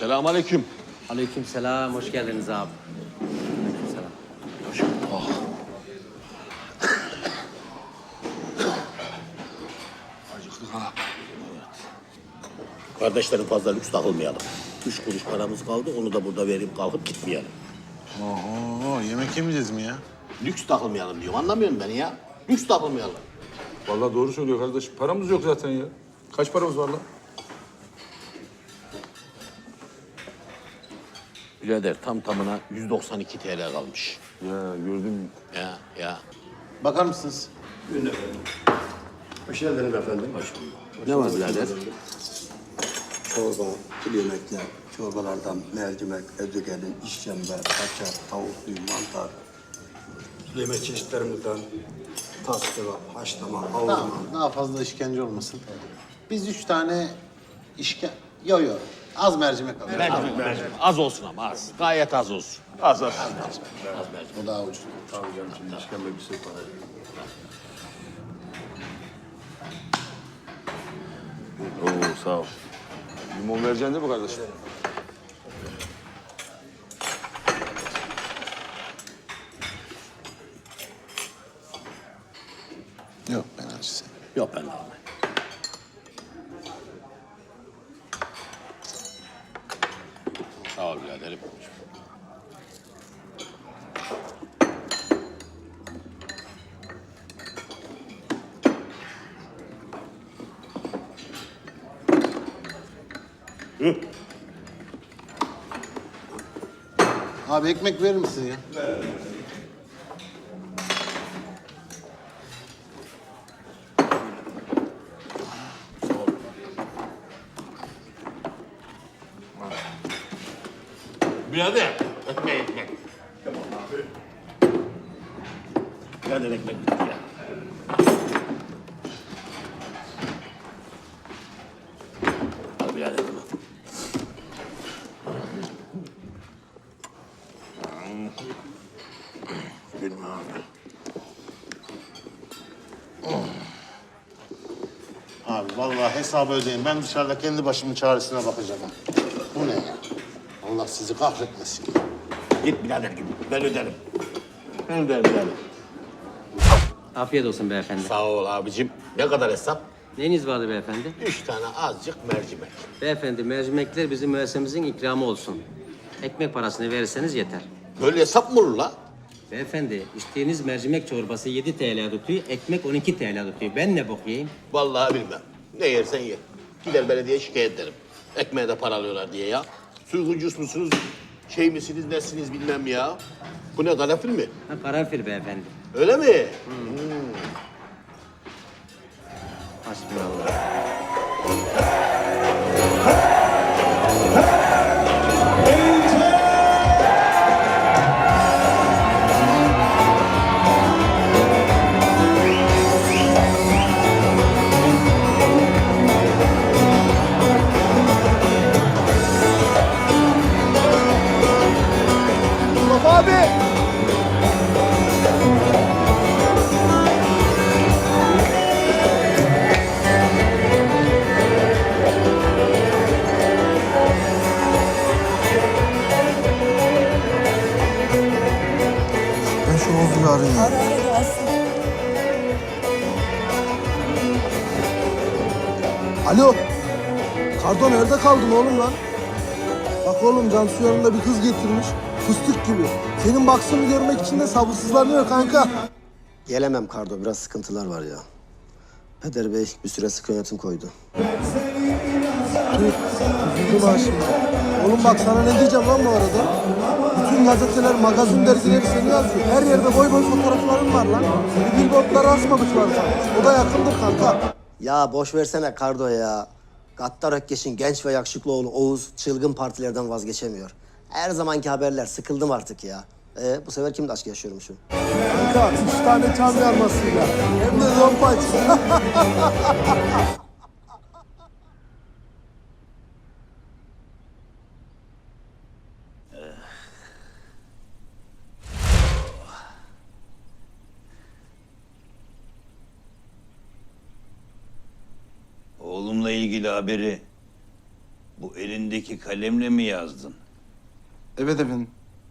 Selamünaleyküm. Aleykümselam, hoş geldiniz abi. Aleykümselam. Hoş bulduk. Oh. Acıktık ha. Kardeşlerim fazla lüks takılmayalım. 3 kuruş paramız kaldı, onu da burada verip kalkıp gitmeyelim. Oho, yemek yemeyeceğiz mi ya? Lüks takılmayalım diyorum, anlamıyor musun beni ya? Lüks takılmayalım. Vallahi doğru söylüyor kardeş. Paramız yok zaten ya. Kaç paramız var lan? Birader tam tamına 192 TL kalmış. Ya gördüm. Ya. Bakar mısınız? Hoş geldiniz efendim. Ne var birader? Çorba, kuru yemekler, çorbalardan mercimek, ezogelin, işkembe, kaçar, tavuklu, mantar. Yemek çeşitlerimizden tas kebap, haşlama, kavurma. Tamam, daha fazla işkence olmasın. Biz 3 tane Yo, az mercimek alalım. Mercimek. Az olsun ama az. Gayet az olsun. Az az. O daha ucuz. Tabii canım, şimdi işkembe bir sürü para. Oo sağ ol. Limon vereceksin değil mi kardeşim? Yok, ben acı sevmiyorum. Yok ben de almayayım. Sağ ol biraderim. Abi ekmek verir misin ya? Birader, ekmek. Birader ekmek bitti ya. Al birader bunu. Gülme abi. Abi vallahi hesabı ödeyin. Ben dışarıda kendi başımın çaresine bakacağım. Bu ne ya? Allah sizi kahretmesin. Git birader gibi. Ben öderim. Ben öderim birader. Afiyet olsun beyefendi. Sağ ol abicim. Ne kadar hesap? Neyiniz vardı beyefendi? 3 tane azıcık mercimek. Beyefendi, mercimekler bizim müessememizin ikramı olsun. Ekmek parasını verirseniz yeter. Böyle hesap mı olur la? Beyefendi, içtiğiniz mercimek çorbası 7 TL tutuyor, ekmek 12 TL tutuyor. Ben ne bok yiyeyim? Vallahi bilmem. Ne yersen ye. Gider belediyeye şikayet ederim. Ekmeğe de para alıyorlar diye ya. Suyguncus musunuz? Şey misiniz, nesiniz bilmem ya. Bu ne, karanfil mi? Ha, karanfil beyefendi. Öyle mi? Hasbinallah. Ben şu Oğuz'u arayayım. Ara gelsin. Alo. Kardo nerede kaldın oğlum lan? Bak oğlum Cansu yanında bir kız getirmiş. Fıstık gibi. Senin baksını görmek için de sabırsızlanıyor kanka. Gelemem Kardo, biraz sıkıntılar var ya. Peder Bey bir süre sıkı yönetim koydu. Üzüldüm ha şimdi. Oğlum bak sana ne diyeceğim lan bu arada? Bütün gazeteler, magazin dergileri seni yazıyor. Her yerde boy boy fotoğrafların var lan. Bir billboardlara asmamışlar sana. O da yakındır kanka. Ya boş versene Kardo ya. Gattar Ökkeş'in genç ve yakışıklı oğlu Oğuz çılgın partilerden vazgeçemiyor. Her zamanki haberler, sıkıldım artık ya. Bu sefer kimle aşk yaşıyormuşum? Kanka 3 tane çam yarmasıyla. Hem de zompaç. Oğlumla ilgili haberi Bu elindeki kalemle mi yazdın? Evet efendim.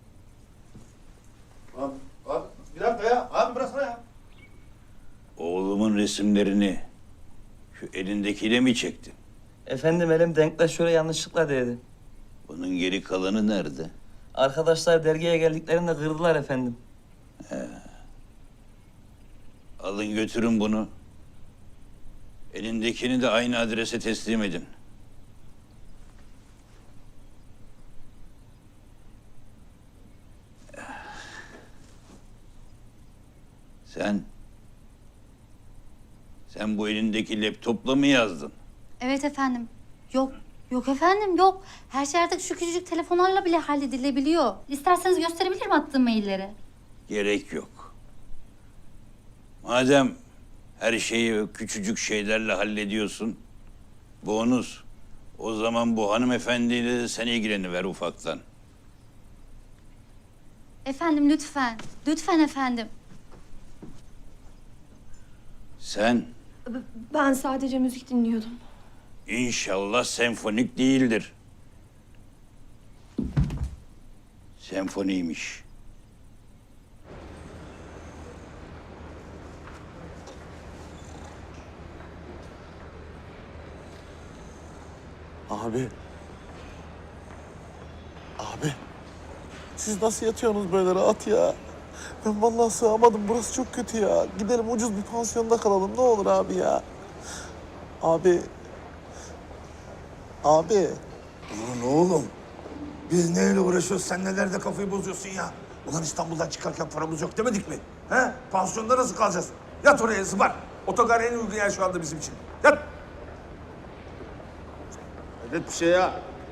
Abi bir dakika ya. Abi bıraksana ya. Oğlumun resimlerini şu elindekiyle mi çektin? Efendim elim denktaşöre yanlışlıkla değdi. Bunun geri kalanı nerede? Arkadaşlar dergiye geldiklerinde kırdılar efendim. Alın götürün bunu. Elindekini de aynı adrese teslim edin. Sen bu elindeki laptopla mı yazdın? Evet efendim. Yok. Yok efendim yok. Her şey artık şu küçücük telefonlarla bile halledilebiliyor. İsterseniz gösterebilirim attığım mailleri. Gerek yok. Madem her şeyi küçücük şeylerle hallediyorsun, bonus. O zaman bu hanımefendiyle de sen ilgileniver ufaktan. Efendim lütfen. Lütfen efendim. Sen Ben sadece müzik dinliyordum. inşallah senfonik değildir. Senfoniymiş. Abi. Abi. Siz nasıl yatıyorsunuz böyle rahat ya? Ben vallahi sığamadım. Burası çok kötü ya. Gidelim ucuz bir pansiyonda kalalım. Ne olur abi ya. Abi. Abi. Ulan oğlum. Biz neyle uğraşıyoruz? Sen nelerde kafayı bozuyorsun ya? Ulan İstanbul'dan çıkarken paramız yok demedik mi? He? Pansiyonda nasıl kalacağız? Yat oraya zıbar. Otogar en uygun yer şu anda bizim için. Yat. Evet bir şey ya.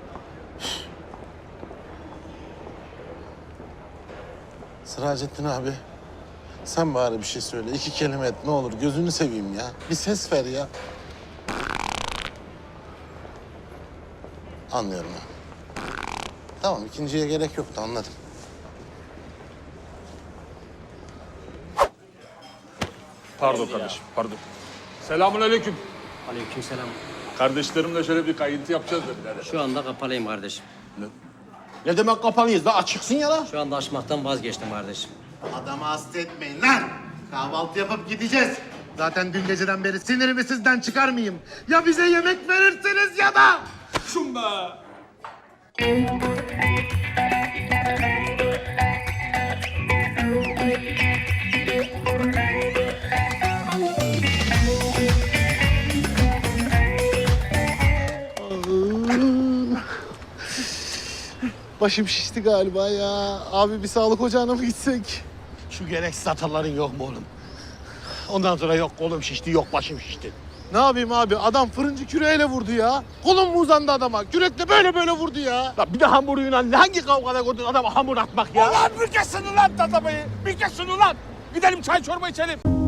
Sıracettin abi. Sen bari bir şey söyle. 2 kelime et ne olur. Gözünü seveyim ya. Bir ses ver ya. Anlıyorum abi. Tamam ikinciye gerek yoktu anladım. Pardon kardeşim, pardon. Selamünaleyküm. Aleykümselam. Kardeşlerimle şöyle bir kayıntı yapacağız da birader. Şu anda kapalıyım kardeşim. Ne demek kapalıyız da açıksın ya lan. Şu anda açmaktan vazgeçtim kardeşim. Adamı hasta etmeyin lan. Kahvaltı yapıp gideceğiz. Zaten dün geceden beri sinirimi sizden çıkarmayayım. Ya bize yemek verirsiniz ya da... Şunda. Başım şişti galiba ya. Abi bir sağlık ocağına mı gitsek? Şu gereksiz hataların yok mu oğlum? Ondan sonra yok kolum şişti, yok başım şişti. Ne yapayım abi? Adam fırıncı küreğiyle vurdu ya. Kolum mu uzandı adama? Kürekle böyle vurdu ya. Ya bir de hamuruyla hangi kavgada gördün adama hamur atmak ya? Ulan bir kesin ulan tatamayı. Bir kesin ulan. Gidelim çay çorba içelim.